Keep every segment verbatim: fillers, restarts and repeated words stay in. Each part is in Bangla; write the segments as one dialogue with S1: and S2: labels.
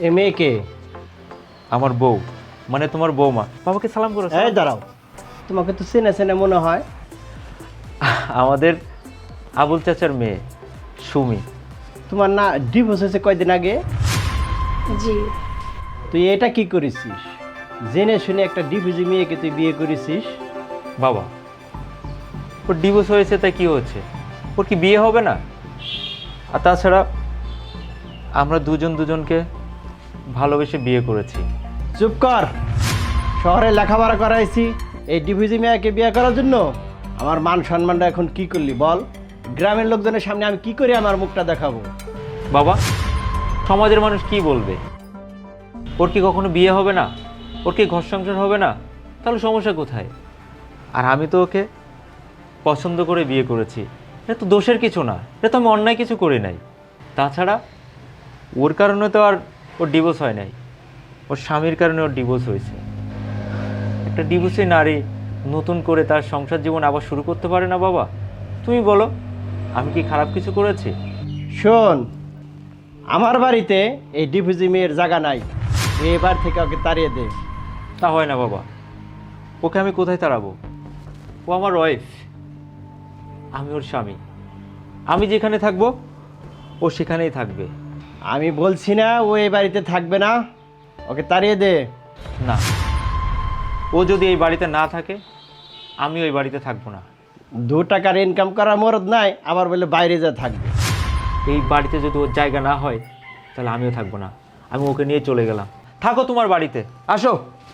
S1: মেয়েকে?
S2: আমার বউ, মানে তোমার বৌমা। বাবাকে সালাম করো।
S1: এই দাঁড়াও, তোমাকে তো চেনে চেনে মনে হয়।
S2: আমাদের আবুল চাচার মেয়ে সুমি।
S1: তোমার না ডিভোর্স হয়েছে কয়দিন আগে?
S3: জি।
S1: তুই এটা কি করেছিস? জেনে শুনে একটা ডিভোর্সি মেয়েকে তুই বিয়ে করেছিস?
S2: বাবা, ওর ডিভোর্স হয়েছে তাই কি হচ্ছে? ওর কি বিয়ে হবে না? আর তাছাড়া আমরা দুজন দুজনকে ভালোবেসে বিয়ে করেছি।
S1: চুপ কর। শহরে লেখাপড়া করাইছি এই ডিভোর্সি মেয়েকে বিয়ে করার জন্য? আমার মান সম্মানটা এখন কি করলি বল? গ্রামের লোকজনের সামনে আমি কি করে আমার মুখটা দেখাবো?
S2: বাবা, সমাজের মানুষ কি বলবে? ওর কি কখনো বিয়ে হবে না? ওর কি ঘর সংসার হবে না? তাহলে সমস্যা কোথায়? আর আমি তো ওকে পছন্দ করে বিয়ে করেছি। এটা তো দোষের কিছু না, এটা তো আমি অন্যায় কিছু করি নাই। তাছাড়া ওর কারণে তো আর ওর ডিভোর্স হয় নাই, ওর স্বামীর কারণে ওর ডিভোর্স হয়েছে। একটা ডিভোর্সি নারী নতুন করে তার সংসার জীবন আবার শুরু করতে পারে না বাবা? তুমি বলো, আমি কি খারাপ কিছু করেছি?
S1: শোন, আমার বাড়িতে এই ডিভোর্সি মেয়ের জায়গা নাই। তুই এবার থেকে ওকে তাড়িয়ে দে।
S2: তা হয় না বাবা, ওকে আমি কোথায় তাড়াবো? ও আমার ওয়াইফ, আমি ওর স্বামী। আমি যেখানে থাকবো ও সেখানেই থাকবে।
S1: আমি বলছি না ও এই বাড়িতে থাকবে না, ওকে তাড়িয়ে দে।
S2: না, ও যদি এই বাড়িতে না থাকে আমি ওই বাড়িতে থাকবো না।
S1: দু টাকার ইনকাম করা মরদ নাই, আবার বলে বাইরে যা থাকবে।
S2: এই বাড়িতে যদি ওর জায়গা না হয় তাহলে আমিও থাকবো না। আমি ওকে নিয়ে চলে গেলাম। থাকো তোমার বাড়িতে, আসো।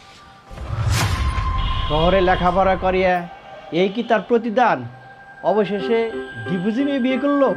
S1: শহরে লেখাপড়া করিয়া এই কি তার প্রতিদান? অবশেষে ডিভোর্সি মেয়ে বিয়ে করলো।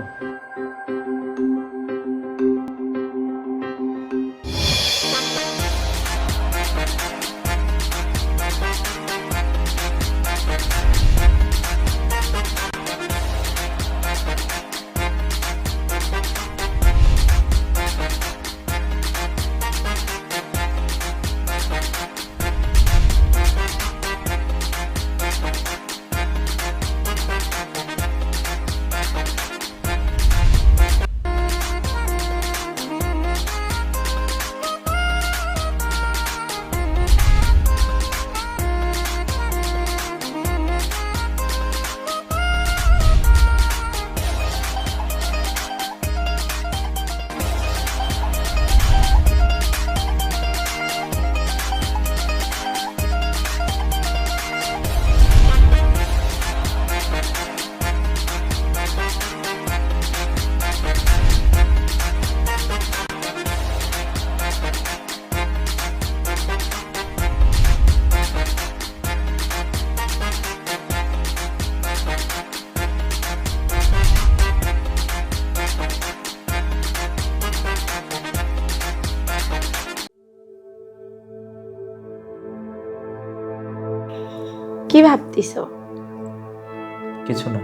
S3: কি ভাবতিছো?
S2: কিছু না।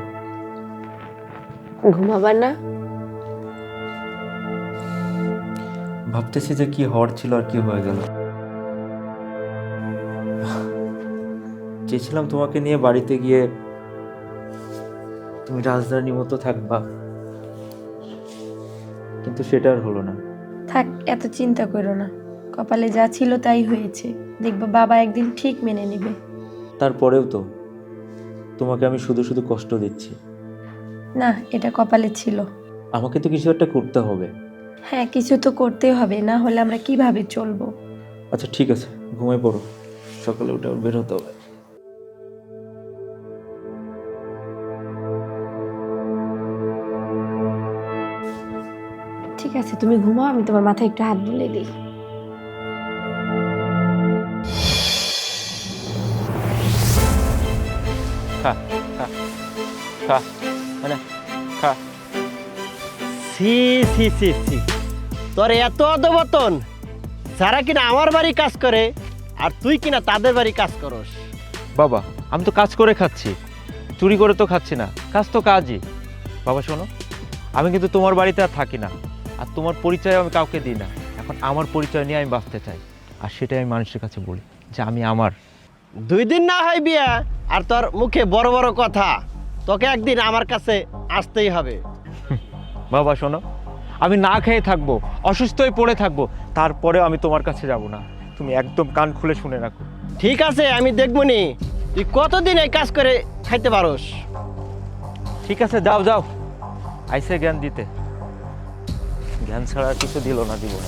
S3: ঘুমাবার না?
S2: ভাবতেছি যে কি হওয়ার ছিল আর কি হয়ে গেল। চেয়েছিলাম তোমাকে নিয়ে বাড়িতে গিয়ে তুমি রাজধানীর মতো থাকবা, কিন্তু সেটা আর হলো না।
S3: থাক, এত চিন্তা করো না। কপালে যা ছিল তাই হয়েছে। দেখবা বাবা একদিন ঠিক মেনে নেবে।
S2: তারপরেও তো তোমাকে আমি শুধু শুধু কষ্ট দিচ্ছি।
S3: না, এটা কপালে ছিল।
S2: আমাকে তো কিছু একটা করতে হবে।
S3: হ্যাঁ, কিছু তো করতেই হবে, না হলে আমরা কিভাবে চলবো?
S2: আচ্ছা ঠিক আছে, ঘুমাই পড়ো, সকালে উঠে আবার বের হতে হবে।
S3: ঠিক আছে, তুমি ঘুমাও, আমি তোমার মাথায় একটু হাত বুলিয়ে দিই।
S2: খা খা খা, মানে খা।
S1: সি সি সি সি, তোর এত অধবতন! যারা কিনা আমার বাড়ি কাজ করে আর তুই কিনা তাদের বাড়ি কাজ করস।
S2: বাবা, আমি তো কাজ করে খাচ্ছি, চুরি করে তো খাচ্ছি না। কাজ তো কাজই। বাবা শোনো, আমি কিন্তু তোমার বাড়িতে আর থাকি না, আর তোমার পরিচয় আমি কাউকে দিই না। এখন আমার পরিচয় নিয়ে আমি বাঁচতে চাই, আর সেটাই আমি মানুষের কাছে বলি যে আমি আমার।
S1: দুই দিন না হয় বিয়া, আর তোর মুখে বড় বড় কথা। তোকে একদিন আমার কাছে আসতেই হবে।
S2: বাবা শোনো, আমি না খেয়ে থাকবো, অসুস্থ হয়ে পড়ে থাকবো, তারপরে আমি তোমার কাছে যাব না। তুমি একদম কান খুলে শুনে রাখো।
S1: ঠিক আছে, আমি দেখবো নি তুই কতদিন এই কাজ করে খাইতে পারোস।
S2: ঠিক আছে, যাও যাও, আইসে জ্ঞান দিতে। জ্ঞান ছাড়া আর কিছু দিল না জীবনে।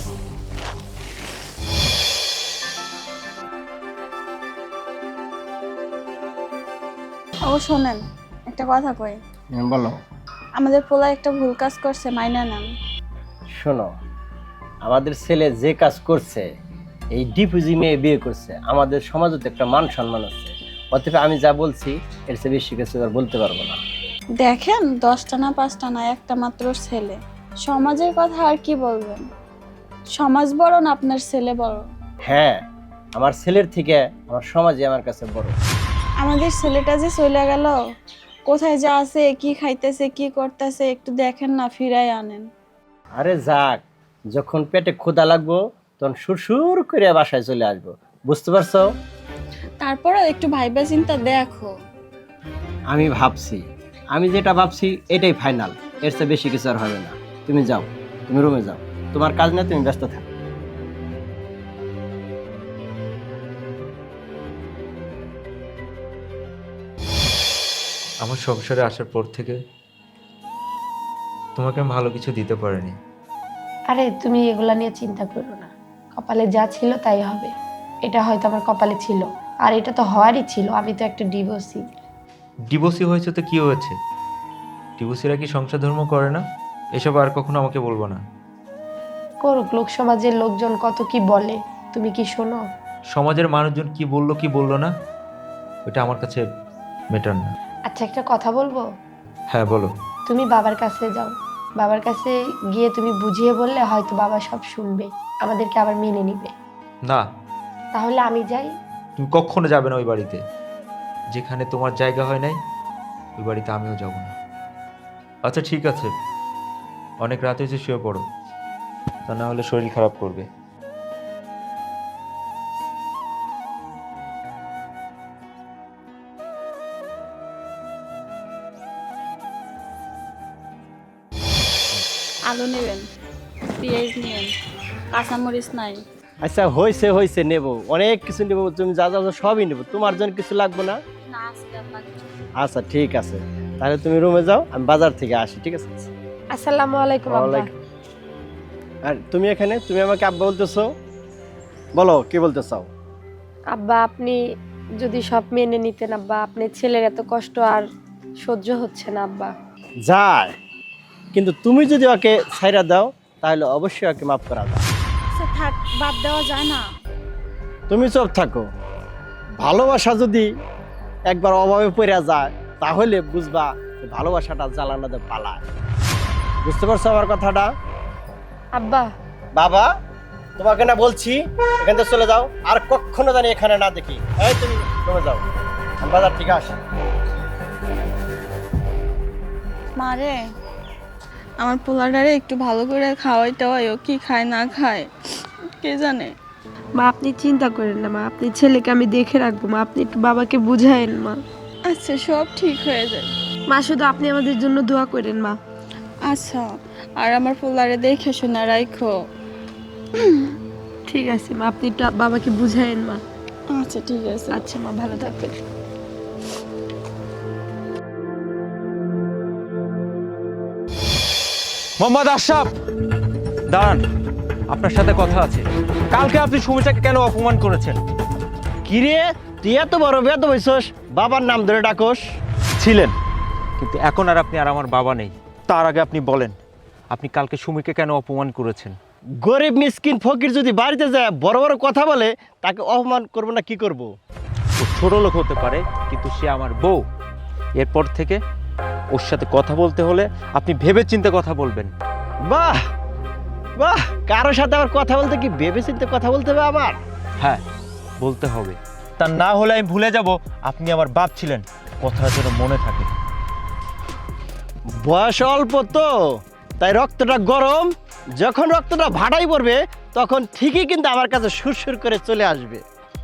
S4: ও শোনেন, একটা কথা কই।
S1: বলো।
S4: আমাদের পোলা একটা ভুল কাজ করছে, মাইনা নেন।
S1: শোনো, আমাদের ছেলে যে কাজ করছে, এই ডিপুজি মেয়ে বিয়ে করছে, আমাদের সমাজে তো একটা মান সম্মান আছে। অতএব আমি যা বলছি এর চেয়ে বেশি কিছু আর বলতে পারবো না।
S4: দেখেন, দশটা না পাঁচটা না, একটা মাত্র ছেলে, সমাজের কথা আর কি বলবেন। সমাজ বড় না আপনার ছেলে বড়?
S1: হ্যাঁ, আমার ছেলের থেকে আমার সমাজে আমার কাছে বড়।
S4: আমাদের ছেলেটা যে চলে গেল, কোথায় যা আছে, কি খাইতেছে, কি করতেছে, একটু দেখেন না, ফিরাই আনেন।
S1: আরে যাক, যখন পেটে ক্ষুধা লাগবো তখন সুরসুর করে বাসায় চলে আসবো, বুঝতে পারছো?
S4: তারপরেও একটু ভাইবা চিন্তা দেখো।
S1: আমি ভাবছি, আমি যেটা ভাবছি এটাই ফাইনাল, এর চেয়ে বেশি কিছু আর হবে না। তুমি যাও, তুমি রুমে যাও, তোমার কাজ না, তুমি ব্যস্ত থাকো।
S2: আমার সংসারে আসার পর থেকে তোমাকে আমি ভালো কিছু দিতে পারিনি।
S3: আরে তুমি এগুলা নিয়ে চিন্তা করো না, কপালে যা ছিল তাই হবে। এটা হয়তো আমার কপালে ছিল, আর এটা তো হওয়ারই ছিল। আমি তো একটা ডিভোর্সি।
S2: ডিভোর্সি হয়েছে তো কি হয়েছে? ডিভোর্সিরা কি সংসার ধর্ম করে না? এসব আর কখনো আমাকে বলবো না।
S3: করুক, লোক সমাজের লোকজন কত কি বলে, তুমি কি শোনো?
S2: সমাজের মানুষজন কি বললো কি বললো না, ওটা আমার কাছে ম্যাটার না।
S3: আচ্ছা, একটা কথা বলবো?
S2: হ্যাঁ বলো।
S3: তুমি বাবার কাছে যাও, বাবার কাছে গিয়ে তুমি বুঝিয়ে বললে হয়তো বাবা সব শুনবে, আমাদেরকে আবার মেনে নিবে।
S2: না,
S3: তাহলে আমি যাই।
S2: তুমি কখনো যাবে না ওই বাড়িতে। যেখানে তোমার জায়গা হয় নাই ওই বাড়িতে আমিও যাব না। আচ্ছা ঠিক আছে, অনেক রাত হয়েছে, শুয়ে পড়ো, তা না হলে শরীর খারাপ করবে।
S4: আলু নেবেন, পেঁয়াজ নেবেন, কাঁচামরিচ নাই।
S1: আচ্ছা হয়েছে হয়েছে, নেবো, অনেক কিছু নেবো, তুমি যা যা যা সবই নেবো, তোমার জন্য কিছু লাগবে না?
S4: না, আজকে আর লাগবে না।
S1: আচ্ছা ঠিক আছে, তাহলে তুমি রুমে যাও, আমি বাজার থেকে আসি, ঠিক আছে?
S3: আসসালামু আলাইকুম আব্বা।
S1: ওয়ালাইকুম। আর তুমি এখানে, তুমি আমাকে আব্বা বলতেছো, বলো কি বলতে চাও?
S3: আব্বা, আপনি যদি সব মেনে নিতেন আব্বা, আপনার ছেলের এত কষ্ট আর সহ্য হচ্ছে না আব্বা।
S1: যায়, কিন্তু তুমি যদি ওকে ছাইরা দাও তাহলে অবশ্যই ওকে মাফ করা দাও।
S4: আচ্ছা থাক, বাদ দেওয়া যায় না।
S1: তুমি চুপ থাকো। ভালোবাসা যদি একবার অভাবে পড়ে যায় তাহলে বুঝবা যে ভালোবাসাটা জ্বালানোতে পালায়। বুঝতে পারছো আমার কথাটা?
S3: আব্বা,
S1: বাবা, তোমাকে না বলছি এখান থেকে চলে যাও, আর কখনো জানি এখানে না দেখি। এই তুমি চলে যাও, আমি বাজার থেকে আসি।
S4: মারে, আমার পোলাটারে একটু ভালো করে খাওয়াই টাওয়াই, ও কি খায় না খায় কে জানে।
S3: মা আপনি চিন্তা করেন না মা, আপনি ছেলেকে আমি দেখে রাখবো মা, আপনি একটু বাবাকে বুঝায়েন মা।
S4: আচ্ছা, সব ঠিক হয়ে যায়।
S3: মা শুধু আপনি আমাদের জন্য দোয়া করেন মা।
S4: আচ্ছা, আর আমার পোলারে দেখে শোনা রাখো।
S3: ঠিক আছে মা, আপনি একটু বাবাকে বুঝায়েন মা।
S4: আচ্ছা ঠিক আছে।
S3: আচ্ছা মা, ভালো থাকবেন।
S2: মোহাম্মদ আশরাফ, দাঁড়ান, আপনার সাথে কথা আছে। কালকে আপনি সুমিতাকে কেন অপমান করেছেন?
S1: কিরে, তুই এত বড় বেদ হইছস, বাবার নাম ধরে ডাকস?
S2: ছিলেন, কিন্তু এখন আর আপনি আর আমার বাবা নেই। তার আগে আপনি বলেন, আপনি কালকে সুমিকে কেন অপমান করেছেন?
S1: গরিব মিসকিন ফকির যদি বাড়িতে যায় বড় বড় কথা বলে, তাকে অপমান করবো না কি করব?
S2: ও ছোট লোক হতে পারে, কিন্তু সে আমার বউ। এরপর থেকে ওর সাথে কথা বলতে হলে আপনি ভেবে চিন্তে কথা বলবেন।
S1: বাহ বাহ, কারোর সাথে আবার কথা বলতে কি ভেবে চিন্তে কথা বলতে হবে আমার?
S2: হ্যাঁ, বলতে হবে, তা না হলে আমি ভুলে যাব আপনি আমার বাপ ছিলেন। কথাটা যেন মনে থাকে।
S1: বয়স অল্প তো, তাই রক্তটা গরম, যখন রক্তটা ভাটাই পড়বে তখন ঠিকই কিন্তু আমার কাছে সুরসুর করে চলে আসবে।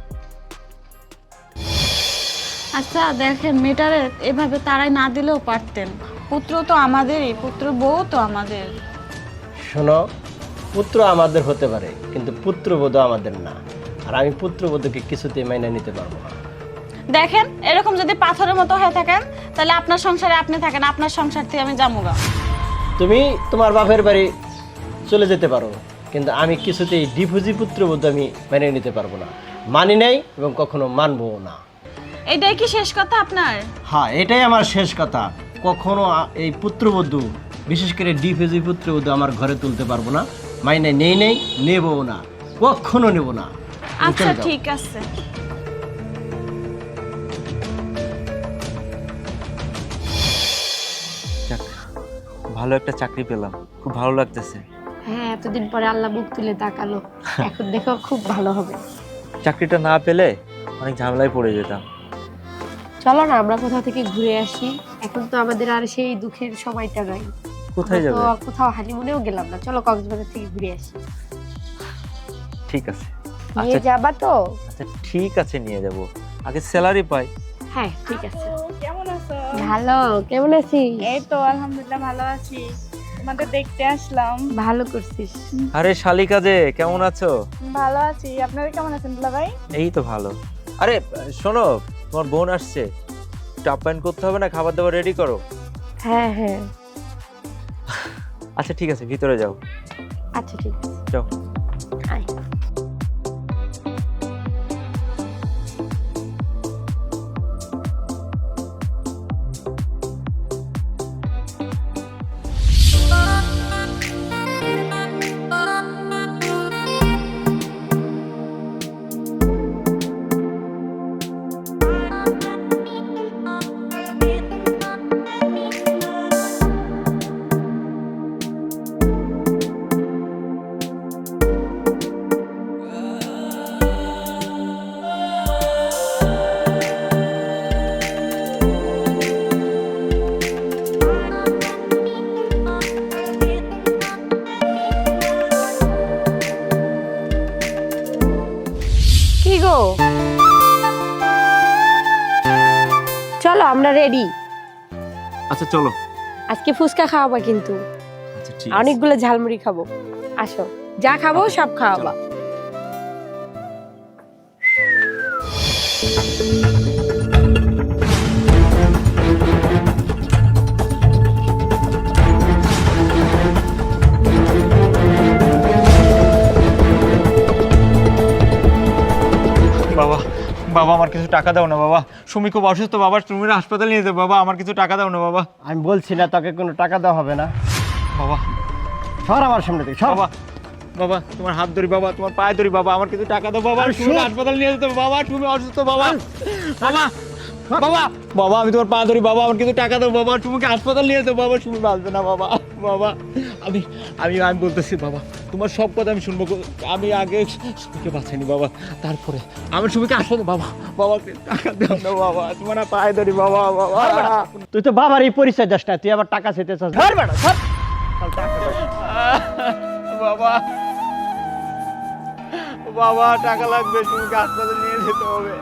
S4: আচ্ছা দেখেন, মেয়েটারে এভাবে তারাই না দিলেও পারতেন। পুত্র তো আমাদেরই, পুত্র বউ তো আমাদের।
S1: শোনো, পুত্র আমাদের হতে পারে কিন্তু পুত্রবধূ আমাদের না। আর আমি পুত্রবধূকে কিছুতেই মাইনে নিতে পারবো না।
S4: দেখেন এরকম যদি পাথরের মতো হয়ে থাকেন তাহলে আপনার সংসারে আপনি থাকেন, আপনার সংসার থেকে আমি যামুগা।
S1: তুমি তোমার বাপের বাড়ি চলে যেতে পারো, কিন্তু আমি কিছুতেই ডিভোর্সি পুত্রবধূ আমি মেনে নিতে পারবো না, মানি নাই এবং কখনো মানবো না।
S4: এইটাই কি শেষ কথা আপনার?
S1: হ্যাঁ, এটাই আমার শেষ কথা। কখনো আ- এই পুত্রবধূ, বিশেষ করে ডিভোর্সি পুত্রবধূ আমার ঘরে তুলতে পারবো না, মাইনে নেই নেই, নেবও না, কখনো নেব না। তুমি
S4: আচ্ছা
S1: চলে যাও।
S4: ঠিক আছে।
S2: যাক, ভালো একটা চাকরি পেলাম, খুব ভালো লাগতেছে।
S3: হ্যাঁ, এতদিন পরে আল্লাহ মুখ তুলে তাকালো, এখন দেখো খুব ভালো হবে।
S2: চাকরিটা না পেলে অনেক ঝামেলায় পড়ে যেতাম।
S3: চলো না আমরা কোথাও থেকে ঘুরে আসি, এখন তো আমাদের আর সেই দুঃখের সময়টা নাই।
S2: কোথায়
S3: আমরা
S2: যাবে?
S3: তো কোথাও হানিমুনেও গেলাম না, চলো কক্সবাজার থেকে ঘুরে আসি।
S2: ঠিক আছে,
S3: নিয়ে
S2: আচ্ছা
S3: যাবা তো?
S2: আচ্ছা ঠিক আছে, নিয়ে যাব, আগে স্যালারি পাই।
S3: হ্যাঁ ঠিক আছে।
S4: কেমন আছো?
S3: ভালো, কেমন আছিস?
S4: এই তো আলহামদুলিল্লাহ ভালো আছি, তোমাদের দেখতে আসলাম।
S3: ভালো করছিস।
S2: আরে শালিকা যে, কেমন আছো?
S4: ভালো আছি, আপনারা কেমন আছেন দুলা ভাই?
S2: এই তো ভালো। আরে শোনো, তোমার বোন আসছে, একটু আপ্যায়ন করতে হবে না, খাবার দাবার রেডি করো।
S3: হ্যাঁ হ্যাঁ
S2: আচ্ছা ঠিক আছে, ভিতরে যাও।
S3: আচ্ছা ঠিক আছে,
S2: যাও।
S3: আয়। কি গো, চলো আমরা রেডি।
S2: আচ্ছা চলো।
S3: আজকে ফুচকা খাওয়াবা কিন্তু,
S2: আচ্ছা ঠিক
S3: অনেকগুলো ঝালমুড়ি খাবো। আসো, যা খাবো সব খাওয়াবা।
S2: বাবা, বাবা আমার কিছু টাকা দাও না বাবা, সুমি খুব অসুস্থ বাবা, সুমির হাসপাতালে নিয়ে যাও বাবা, আমার কিছু টাকা দাও না বাবা।
S1: আমি বলছি না তোকে কোনো টাকা দেওয়া হবে না।
S2: বাবা,
S1: সর আমার সামনে থেকে, সর।
S2: বাবা, বাবা তোমার হাত ধরি বাবা, তোমার পায়ে ধরি বাবা, আমার কিছু টাকা দাও বাবা, সুমি হাসপাতালে নিয়ে যেতে হবে বাবা, সুমি অসুস্থ বাবা। বাবা, বাবা, বাবা আমি তোমার পা ধরি বাবা, আমার কিছু টাকা দাও বাবা, সুমিকে হাসপাতাল নিয়ে যেতে বাবা, সুমি বাঁচবে না বাবা। বাবা আমি আমি আমি বলতেছি বাবা, তোমার সব কথা আমি শুনবো, আমি আগে সুমিকে বাঁচাইনি বাবা, তারপরে আমার সুমিকে হাসপাতাল। বাবা, বাবা টাকা দাও না বাবা, তোমার না পায়ে ধরি বাবা। বাবা
S1: তুই তো বাবার এই পরিচয় দাস না, তুই আবার টাকা চাইতে চাস। ধর বেটা, ধর। চল, টাকা দে।
S2: বাবা, বাবা টাকা লাগবে, সুমিকে হাসপাতালে নিয়ে যেতে হবে।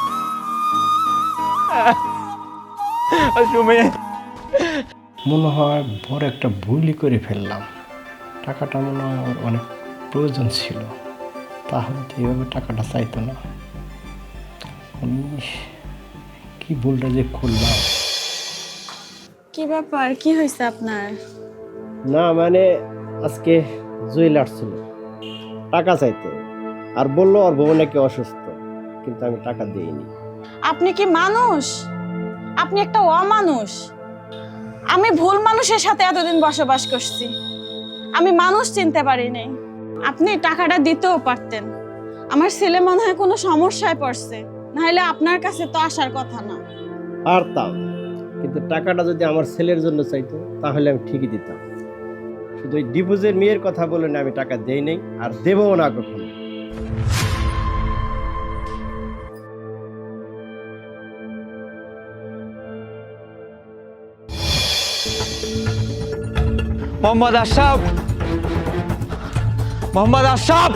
S2: সুমি,
S1: মনে হয় বড় একটা ভুলই করে ফেললাম। টাকাটা মনে হয় ওর অনেক প্রয়োজন ছিল, তাহলে তো এইভাবে টাকাটা চাইতো না। আমি কি ভুলটা যে করলাম।
S4: কি ব্যাপার, কি হয়েছে আপনার?
S1: না মানে আজকে জুয়েল আসছিল টাকা চাইতে, আর বললো ওর বউ নাকি অসুস্থ, কিন্তু আমি টাকা দিইনি।
S4: আপনি কি মানুষ? আপনি একটা অমানুষ। আমি ভুল মানুষের সাথে এতদিন বসবাস করছি, আমি মানুষ চিনতে পারিনি। আপনি টাকাটা দিতেও পারতেন, আমার ছেলে মনে হয় কোনো সমস্যায় পড়ছে, নাহলে আপনার কাছে তো আসার কথা না।
S1: পারতাম, কিন্তু টাকাটা যদি আমার ছেলের জন্য চাইতো তাহলে আমি ঠিকই দিতাম। শুধু ওই ডিভোর্সের মেয়ের কথা বলে না, আমি টাকা দেই নাই আর দেবও না কখনো।
S2: মোহাম্মদ আশরাফ, মোহাম্মদ আশরাফ,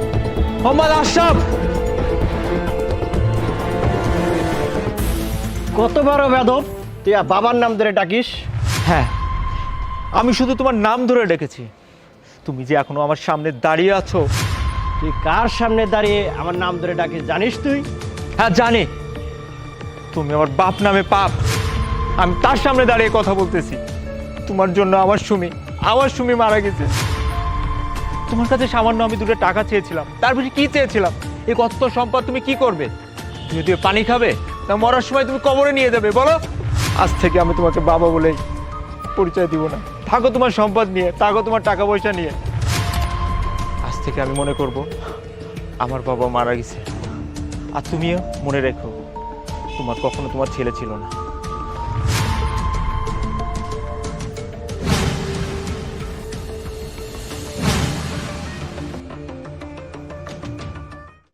S2: মোহাম্মদ আশরাফ।
S1: কত বড় বেদব, তুই আর বাবার নাম ধরে ডাকিস?
S2: হ্যাঁ, আমি শুধু তোমার নাম ধরে ডেকেছি। তুমি যে এখনো আমার সামনে দাঁড়িয়ে আছো।
S1: তুই কার সামনে দাঁড়িয়ে আমার নাম ধরে ডাকিস জানিস তুই?
S2: হ্যাঁ জানি, তুমি আমার বাপ নামে পাপ। আমি তার সামনে দাঁড়িয়ে কথা বলতেছি। তোমার জন্য আমার সুমি আমার সুমি মারা গেছে। তোমার কাছে সামান্য আমি দুটো টাকা চেয়েছিলাম, তার বেশি কি চেয়েছিলাম? এই কত সম্পদ তুমি কি করবে? তুমি তুমি পানি খাবে, তা মরার সময় তুমি কবরে নিয়ে যাবে? বলো, আজ থেকে আমি তোমাকে বাবা বলে পরিচয় দিব না। থাকো তোমার সম্পদ নিয়ে, থাকো তোমার টাকা পয়সা নিয়ে। আজ থেকে আমি মনে করব আমার বাবা মারা গেছে। আর তুমিও মনে রেখো, তোমার কখনো তোমার ছেলে ছিল না।